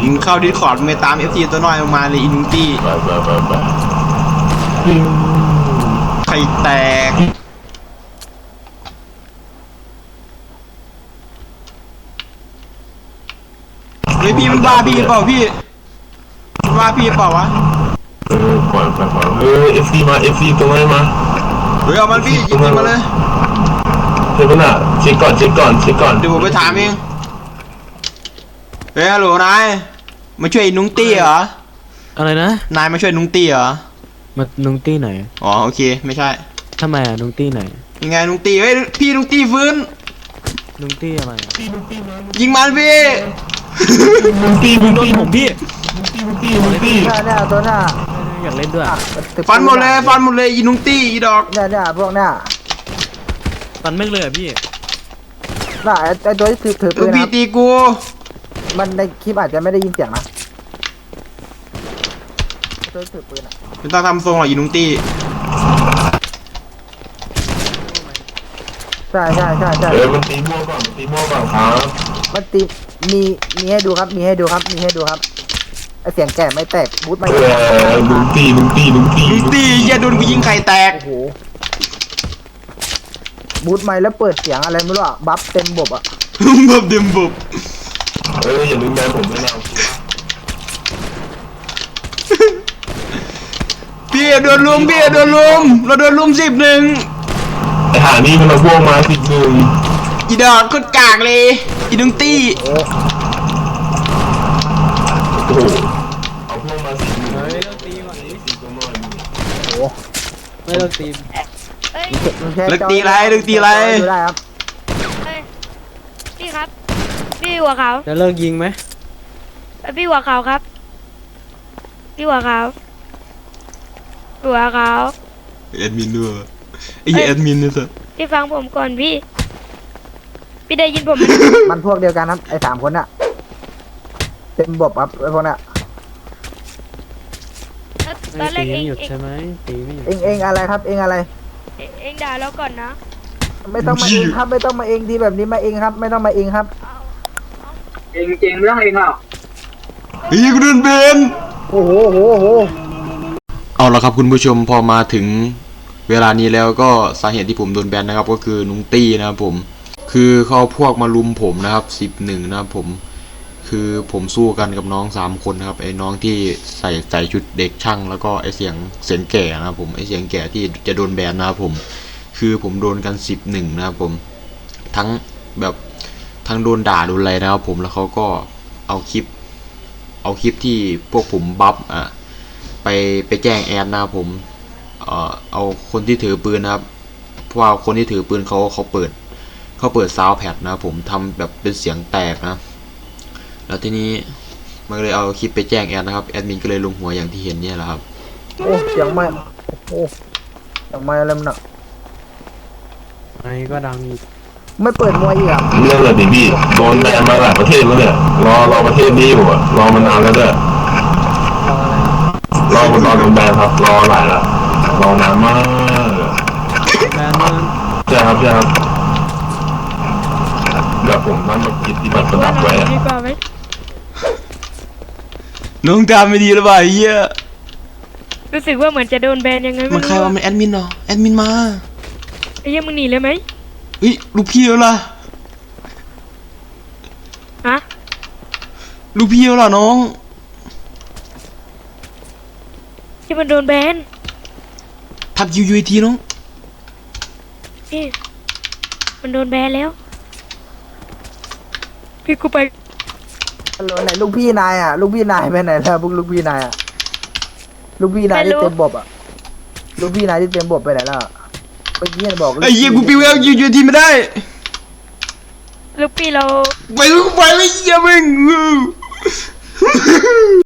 มึงเข้าดิสคอร์ดไปตามFCตัวน้อยมาเลยอินุตี้ไข่แตกเฮ้ยพี่มันบ้าพี่เปล่าพี่บ้าพี่เปล่าวะปล่อยFC มา FC ตรงไหนมาเฮ้ยเอามันพี่ยิงมาเลยเช็คก่อนเช็คก่อนเดี๋ยวผมไปถามเองเฮ้ยฮัลโหลนายมาช่วยนุ้งตี้เหรออะไรนะนายมาช่วยนุ้งตี้เหรอมานุ้งตี้ไหนอ๋อโอเคไม่ใช่ทำไมนุ้งตี้ไหนยังไงนุ้งตี้เฮ้ยพี่นุ้งตี้ฟื้นนุ้งตี้อะไรยิงมันพี่นุ้งตี้ผมพี่เนี่ยตัวหน้าอยากเล่นด้วยฟันหมดเลยยิงนุ้งตี้อีดอกเนี่ยพวกเนี่ยฟันไม่เลยพี่น่ะไอตัวที่ถือปืนพี่ตีกูมันในคลิปอาจจะไม่ได้ยินเสียงนะตัวถือปืนอ่ะไม่ต้องทำทรงหรอกยิงนุ้งตี้ใช่มันตีมั่วก่อนครับมันตีมีให้ดูครับมีให้ดูครับไอเสียงแก่ไม่แตกบูทไม่ลุงตีอย่าโดนกูยิงไข่แตกโอ้โหบูทไม่แล้วเปิดเสียงอะไรไม่รู้อ่ะบัฟเต็มบบอ่ะบัฟเต็มบบอย่าลืมแบนผมด้วยนะพี่โดนลุมเราโดนลุม11ไอหานี่มันมาพวกมา11 อีดอกกดกากเลยอีนุ้งตี้โอ้เอาพวกมา11 ไม่ต้องตีว่ะโอ้ไม่ต้องตีลึกตีไรดูได้ครับพี่ครับพี่หัวขาวจะเลิกยิงไหมพี่หัวขาวครับพี่หัวขาวแอดมินด้วยไอ้แอดมินเนี่ยสิพี่ฟังผมก่อนพี่ได้ยินผมมันพวกเดียวกันครับไอ้3 คนน่ะเต็มบบครับไอ้พวกน่ะตอนแรกเองหยุดใช่ไหมตีไม่หยุดเองอะไรครับเองอะไรเองด่าแล้วก่อนนะไม่ต้องมาเองครับไม่ต้องมาเองทีแบบนี้มาเองครับไม่ต้องมาเองครับเองไม่ต้องเองหรอกกูโดนเบนโอ้โหเอาละครับคุณผู้ชมพอมาถึงเวลานี้แล้วก็สาเหตุที่ผมโดนแบนนะครับก็คือนุ้งตี้นะครับผมคือเขาพวกมาลุมผมนะครับ11นะครับผมคือผมสู้กันกับน้อง3 คนนะครับไอ้น้องที่ใส่ชุดเด็กช่างแล้วก็ไอ้เสียงแก่นะครับผมไอ้เสียงแก่ที่จะโดนแบนนะครับผมคือผมโดนกัน11นะครับผมทั้งโดนด่าโดนอะไรนะครับผมแล้วเขาก็เอาคลิปที่พวกผมบัฟไปแจ้งแอดนะครับผมเอาคนที่ถือปืนนะครับเพราะว่าคนที่ถือปืนเขาเปิดซาวด์แพดนะครับผมทำแบบเป็นเสียงแตกนะแล้วทีนี้มันเลยเอาคลิปไปแจ้งแอดนะครับแอดมินก็เลยลงหัวอย่างที่เห็นเนี่ยแหละครับโอ้เสียงไม่โอ้เสียงไม่อะไรมันอ่ะไอ้ก็ดังไม่เปิดมวยอีกอ่ะเรื่องอะไรพี่โดนแบนมาหลายประเทศแล้วเนี่ยรอประเทศนี้อยู่รอมานานแล้วเนี่ยรอโดนแบนครับรอหลายแล้วรอนานมากแบนมันใช่ครับแบบผมนั่นมาคิดที่แบบประดับไว้น้องตามไม่ดีหรือเปล่าเฮียรู้สึกว่าเหมือนจะโดนแบนยังไงมันใครว่ามันแอดมินเนาะแอดมินมาไอ้ยังมึงหนีเลยไหมลูกพี่แล้วล่ะฮะลูกพี่แล้วล่ะน้องที่มันโดนแบนทับยูทีน้องพี่มันโดนแบนแล้วพี่กูไปฮัลโหลไหนลูกพี่นายอ่ะลูกพี่นายไปไหนแล้วพวกลูกพี่นายอ่ะลูกพี่นายที่เต็มบบอ่ะลูกพี่นายที่เต็มบบไปไหนแล้วเมื่อกี้บอกไอ้เหี้ยกูปิวแล้วยูทีไม่ได้ลูกพี่เราไปเลยเหี้ยมึง